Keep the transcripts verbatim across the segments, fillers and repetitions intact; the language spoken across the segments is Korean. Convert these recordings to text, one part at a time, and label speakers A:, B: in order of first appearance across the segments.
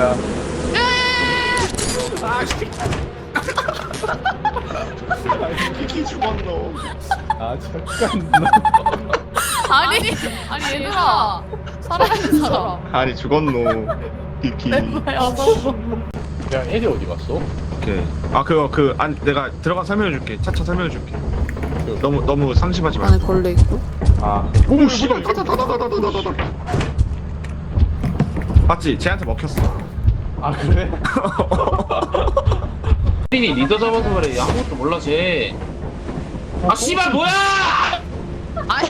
A: 누구야?
B: 아씨. 키키 죽었노.
A: 아 잠깐.
C: 아니 아니 얘들아 살아있는 사람
B: 아니 죽었노. 키키.
C: 멤버야 너.
A: 야 애들 어디 갔어?
B: 오케이. 아 그거 그 안 내가 들어가 설명해줄게. 차차 설명해줄게. 너무 너무 상심하지 마.
C: 안에 걸려 있고.
A: 아.
B: 오 씨발. 다다다다다다다다. 맞지? 쟤한테 먹혔어.
A: 아 그래?
D: 린이 리더 잡아서 그래. 아무것도 몰라 쟤. 아 씨발 뭐야!
C: 아니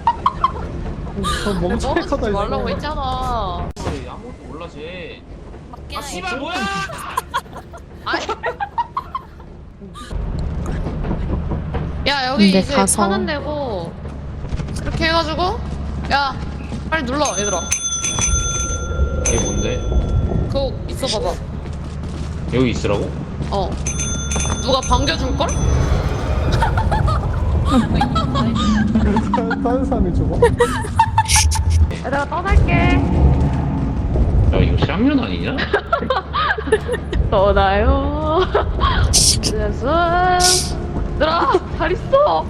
A: 저 멍청이
C: 먹지
A: 커다
C: 말라고 했잖아.
D: 그래, 아무것도 몰라 쟤. 아 씨발 뭐야!
C: 아니. 야 여기
E: 근데
C: 이제
E: 가서-
C: 천원 내고 이렇게 해가지고 야 빨리 눌러 얘들아.
D: 이게 뭔데?
C: 그거 있어 봐봐.
D: 여기 있으라고?
C: 어. 누가 반겨줄걸?
A: 다른 사람이 줘봐.
C: 얘들아 떠날게.
D: 야 이거 쌍년 아니냐?
C: 떠나요. 예수. 얘들아 잘 있어.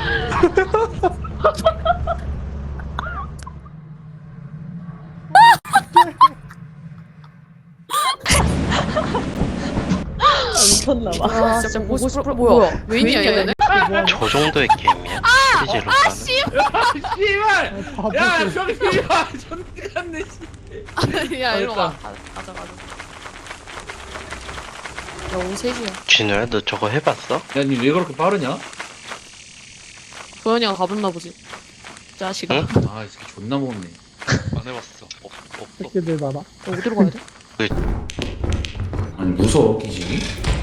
E: 미쳤나봐.
C: 아 진짜 보고 싶어. 뭐야? 웬이야 얘네?
F: 저 정도의 게임이야? 시즈로
C: 아
F: 가는.
C: 씨.
D: 씨발! 야 병신아! 전대 갔네 씨.
C: 야 일로 와. 가- 가자 가자. 야 오후 세 시야.
F: 진우야 너 저거 해봤어?
D: 야니 왜 그렇게 빠르냐?
C: 도현이가 가봤나 보지. 자식아.
F: 응?
D: 아 이 새끼 존나 먹네.
F: 안 해봤어. 없, 없어.
A: 새끼들 많아.
C: 어, 어디로 가야 돼?
D: 아니 무서워 기식이?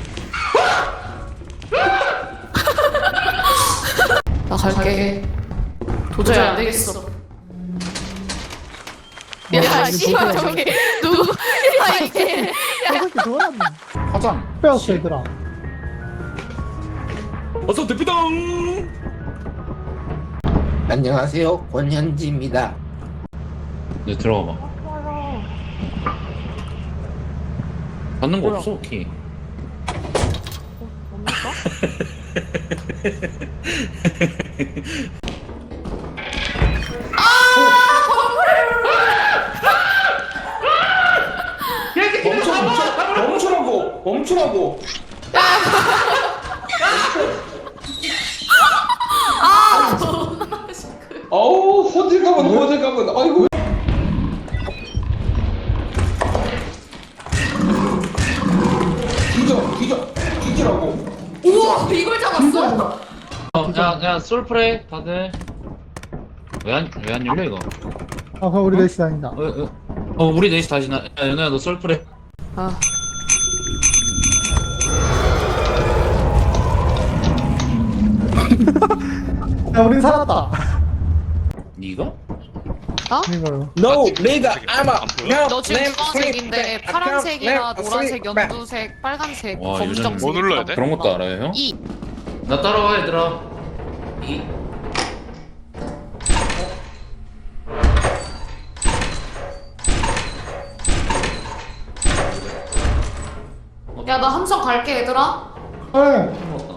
C: 나 갈게. 도저히 안 되겠어. 야, 씨발 저기 누구? 야 이게.
A: 저 새끼 좋아하는.
D: 화장.
A: 빼었어 얘들아.
D: 어서 대피동.
G: 안녕하세요, 권현지입니다.
D: 네 들어가 봐. 받는 거 없어 키.
C: 뭡니까?
H: 멈춰 멈춰 멈추라고 멈추라고 아우 호들갑은 호들갑은 아이고 뒤져 뒤져 뒤지라고
C: 우와 이걸 잡았어?
D: 어야야 솔프레 다들. 왜안 왜 안 열려 이거?
A: 아 그럼 우리 넷이 다닌다.
D: 어, 어, 어 우리 넷이 다시 나. 야 연우야 너 솔프레.
C: 아.
A: 야 우린 살았다.
D: 니가?
A: 이거요.
H: No nigga I'm a
C: 너 지금 주황색인데 파란색이나 노란색, 연두색, 빨간색,
D: 와,
C: 검정색.
D: 뭐
F: 눌러야 돼?
D: 그런 것도 알아요 형?
C: 이.
D: 나 따라와 얘들아. 이.
C: 야 나 함성 갈게 얘들아.
A: 네.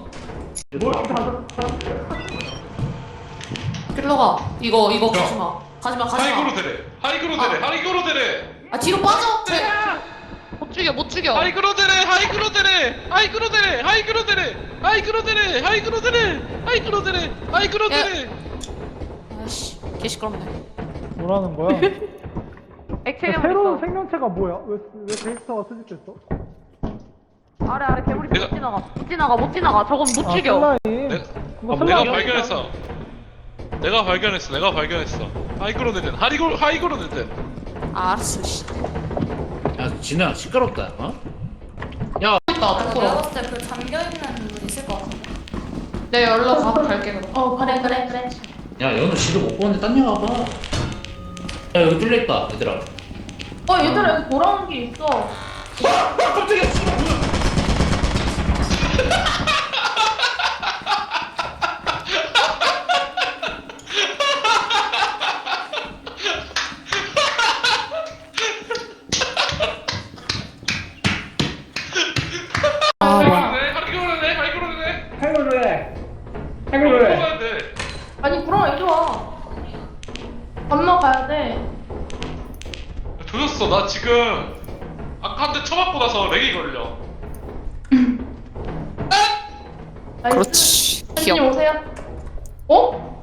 C: 필러가 이거 이거 가지마. 가지마 가지마.
I: 하이그로 대래 하이그로 대래 하이그로 대래
C: 아 뒤로 빠져. 쟤. 못 죽여 못 죽여.
I: 하이그로 대래 하이그로 대래 하이그로 대래 하이그로 대래 하이그로 대래 하이그로 대래 하이그로 대래 하이그로 대래
C: 아씨 개 시끄럽네.
A: 뭐라는 거야?
C: 액체가
A: 새로운 생명체가 뭐야? 왜, 왜 데이터가 수집됐어?
C: 아래 아래 괴물이
I: 내가-
C: 못 지나가. 못 지나가 못 지나가. 저건 못
A: 아,
C: 죽여.
A: 슬라임.
I: 내-
A: 이거
I: 아,
A: 슬라임.
I: 내가 발견했어 내가 발견했어 내가 발견했어 하이그로 대래 하이그로 하이그로 대래
C: 아, 알았어 씨.
D: 야 진우야 시끄럽다. 어? 야
C: 나 앞으로.
J: 봤을 때 그 잠겨있는 분 있을 것 같은데.
C: 내 연락 가 갈게 그럼.
J: 어, 그래, 그래, 그래.
D: 야 연우 지도 못 보는데 딴 데 가봐. 야 여기 뚫려있다 얘들아.
J: 어, 얘들아, 여기 돌아오는 길 있어.
D: 아 깜짝이야.
I: 지금 아까 한 대 쳐맞고 나서 렉이 걸려.
C: 그렇지.
J: 님
C: 귀여워.
J: 오세요. 어?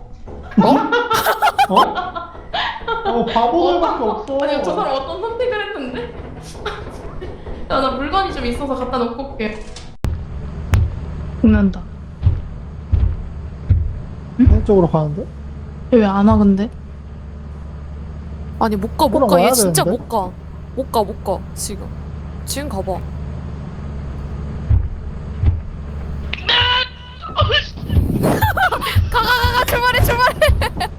A: 어, 바보들밖에 없어.
J: 아니 저 사람 어떤 선택을 했는데? 야, 나 물건이 좀 있어서 갖다 놓고 올게.
K: 죽는다.
A: 왼쪽으로 가는데?
K: 왜 안 와 근데?
C: 아니 못 가, 못
A: 그럼
C: 가. 얘
A: 와야
C: 진짜
A: 되는데?
C: 못 가. 못 가, 못 가. 지금. 지금 가봐. 가, 가, 가, 가. 출발해, 출발해.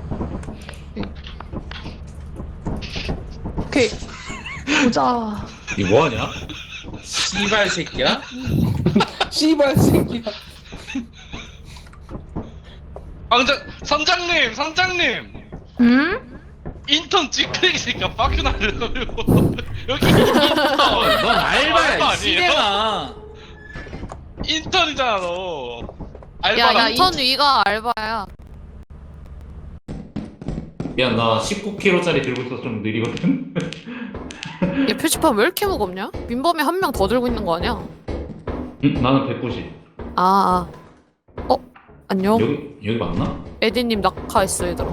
C: 오케이.
K: 보자.
D: 이 뭐하냐? 씨발 새끼야?
H: 씨발 새끼야.
I: 상장 선장님, 선장님.
K: 응?
I: 인턴 찌끄레기니까 빡큐 날려고 여기 인턴.
D: 넌 알바야 이
I: 아니에요?
D: 씨대마.
I: 인턴이잖아 너.
C: 야,
I: 알바랑.
C: 야, 인턴 위가 알바야.
D: 미안 나 십구 킬로그램짜리 들고 있어서 좀 느리거든.
C: 얘 표지판 왜 이렇게 무겁냐? 민범이 한 명 더 들고 있는 거 아니야?
D: 응? 나는 백구십.
C: 아, 아. 어? 안녕?
D: 여기 여기 맞나?
C: 에디님 낙하했어, 얘들아.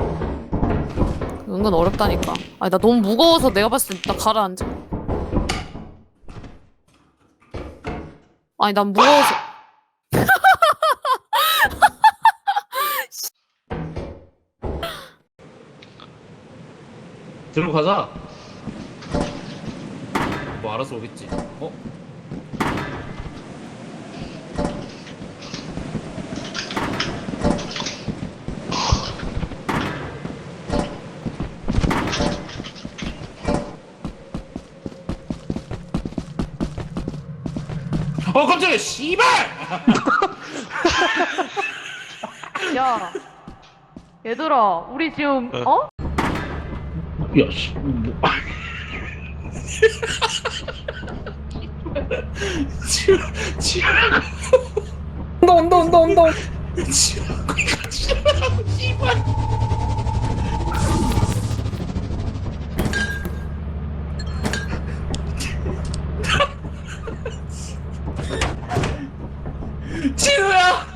C: 은근 어렵다니까. 아니, 나 너무 무거워서 내가 봤을 때 나 가라앉아. 아니, 난 무거워서.
D: 들고 가자. 뭐 알아서 오겠지. 어? 어 깜짝이야 씨발!
K: 야. 얘들아, 우리 지금 어?
D: 야 씨. 뭐. 지금 지금
H: 온다 온다 온다 온다.
D: 지금 지금 씨발. 진우야!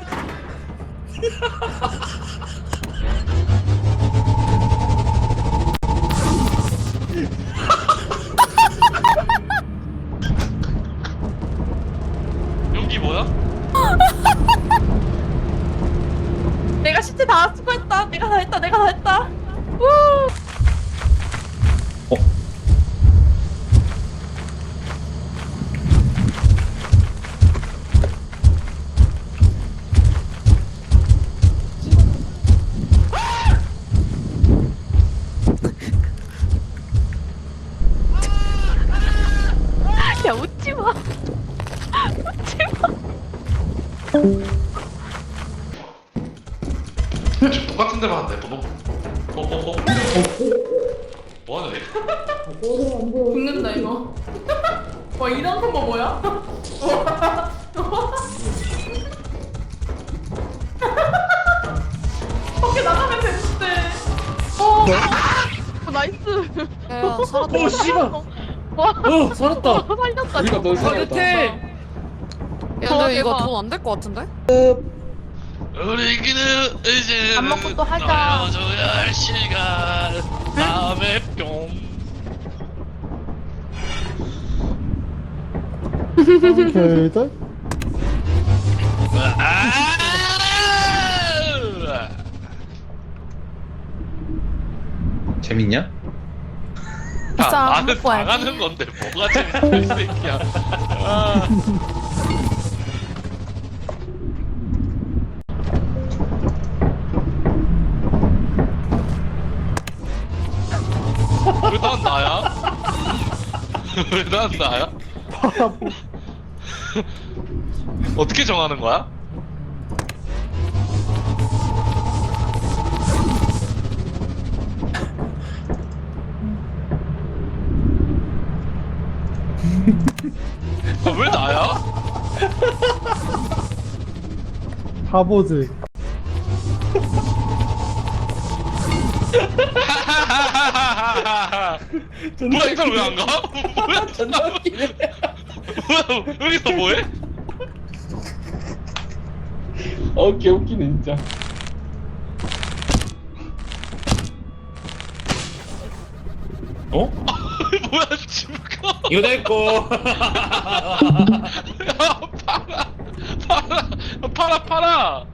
I: 연기 뭐야?
J: 내가 시체 다 수거했다. 내가 다 했다. 내가 다 했다. 우!
K: 야, 웃지 마.
I: 지금 똑같은 데만 한대. 뭐, 뭐, 뭐, 뭐, 뭐 하네?
J: 죽는다 이거. 와 이런 콤보 뭐야? 밖에 나가면 되는데. 어. 어, 나이스.
C: 야, 살았다.
D: 어 씨발.
K: 와,
D: 어 살았다.
K: 살렸다.
H: 우리가 널 살렸다.
D: 끝에.
C: 야, 근데 이거
K: 대박.
C: 돈 안 될 것 같은데?
I: 우리끼는 이제
K: 밥 먹고 또 하자.
I: 나눠줘야 할 시간. 다음에 뿅.
A: 오케이들?
I: 아!
D: 재밌냐?
K: 비싸,
I: 아, 나는
K: 먹고 와야지.
I: 당하는 건데 뭐가 재밌어 이 새끼야. 아. 왜 난 나야? 왜 난 나야? 어떻게 정하는 거야? 아, 왜 나야?
A: 바보지.
I: 뭐야 이 사람 왜 안 가? 뭐야
H: 존나 웃기네.
I: 뭐야 여기서 뭐해?
H: 어 개웃기네 진짜.
D: 어?
I: 뭐야 지금가?
D: 이거 내꺼.
I: 야 팔아 팔아 팔아 팔아